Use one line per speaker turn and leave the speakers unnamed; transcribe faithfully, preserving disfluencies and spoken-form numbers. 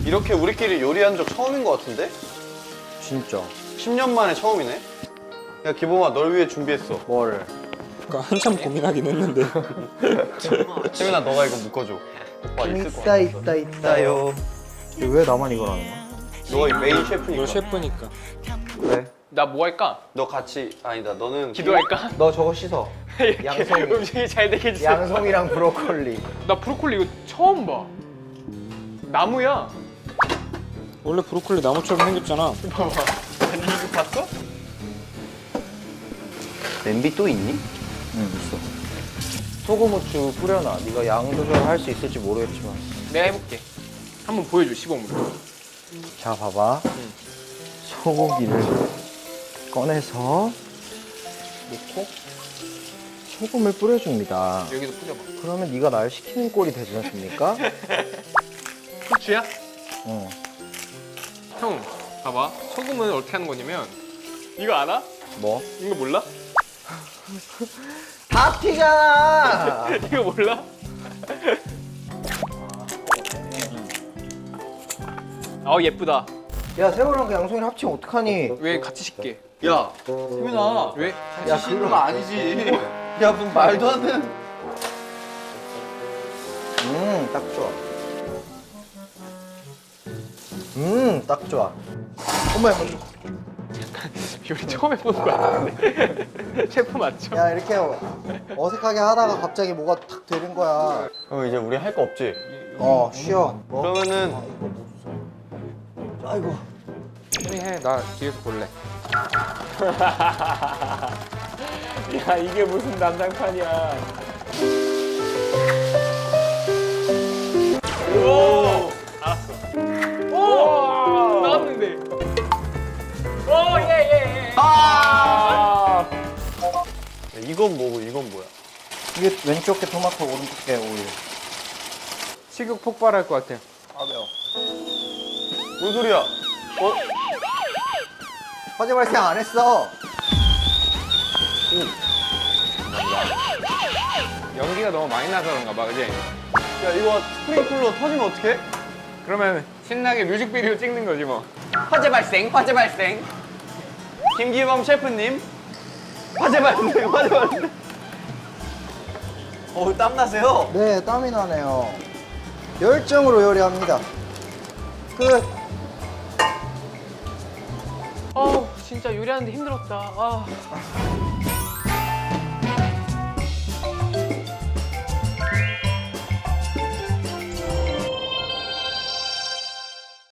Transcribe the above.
이렇게 우리끼리 요리한 적 처음인 것 같은데?
진짜.
십 년 만에 처음이네? 야 기범아 널 위해 준비했어.
뭐를?
그러니까 한참 고민하긴 했는데.
세민아 너가 이거 묶어줘. 오빠 있을 거
있다 있다 있다요. 왜 나만 이걸 하는 거야?
너가 메인 셰프니까.
너 셰프니까.
왜?
나 뭐 할까?
너 같이 아니다 너는
기도할까?
너 저거 씻어. 양송이.
음식이 잘 되게 해주세요.
양송이랑 브로콜리.
나 브로콜리 이거 처음 봐. 나무야.
원래 브로콜리 나무처럼 생겼잖아.
봐봐. 아니 이거 봤어?
냄비 또 있니? 응 있어. 소금 후추 뿌려놔. 네가 양 조절할 수 있을지 모르겠지만.
내가 해볼게. 한번 보여줘 시범으로.
자 봐봐. 소고기를 꺼내서
놓고
소금을 뿌려줍니다.
여기도 뿌려봐.
그러면 네가 날 시키는 꼴이 되지 않습니까?
후추야?
응.
형 봐봐. 소금은 어떻게 하는 거냐면 이거 알아?
뭐?
이거 몰라?
다 튀잖아.
이거 몰라? 어 예쁘다.
야 새우랑 그 양송이를 합치면 어떡하니?
왜 같이 씻게?
야 세민아
왜?
야 그런 거 아니지. 야 무슨 말도 안 되는.
음, 딱 좋아. 음, 딱 좋아. 어머,
요리 처음 해보는 거 같은데. 셰프 맞죠?
야 이렇게 어색하게 하다가 갑자기 뭐가 탁 되는 거야.
형 이제 우리 할 거 없지?
어, 쉬어. 뭐?
그러면은
아이고.
형이 해. 나 뒤에서 볼래. 야 이게 무슨 난장판이야. 오! 알았어. 오! 나왔는데. 오, 예, 예, 예. 아!
야, 이건 뭐고 이건 뭐야?
이게 왼쪽 게 토마토, 오른쪽 게 오일.
식욕 폭발할 것 같아.
아 매워.
뭔 소리야? 어?
화재 발생 안 했어.
연기가 너무 많이 나서 그런가 봐, 그지?
야 이거 스프링클러 터지면 어떡해?
그러면 신나게 뮤직비디오 찍는 거지 뭐.
화재 발생 화재 발생. 김기범 셰프님 화재 발생 화재 발생. 어우 땀나세요?
네, 땀이 나네요. 열정으로 요리합니다. 끝.
아, 진짜 요리하는데 힘들었다. 아.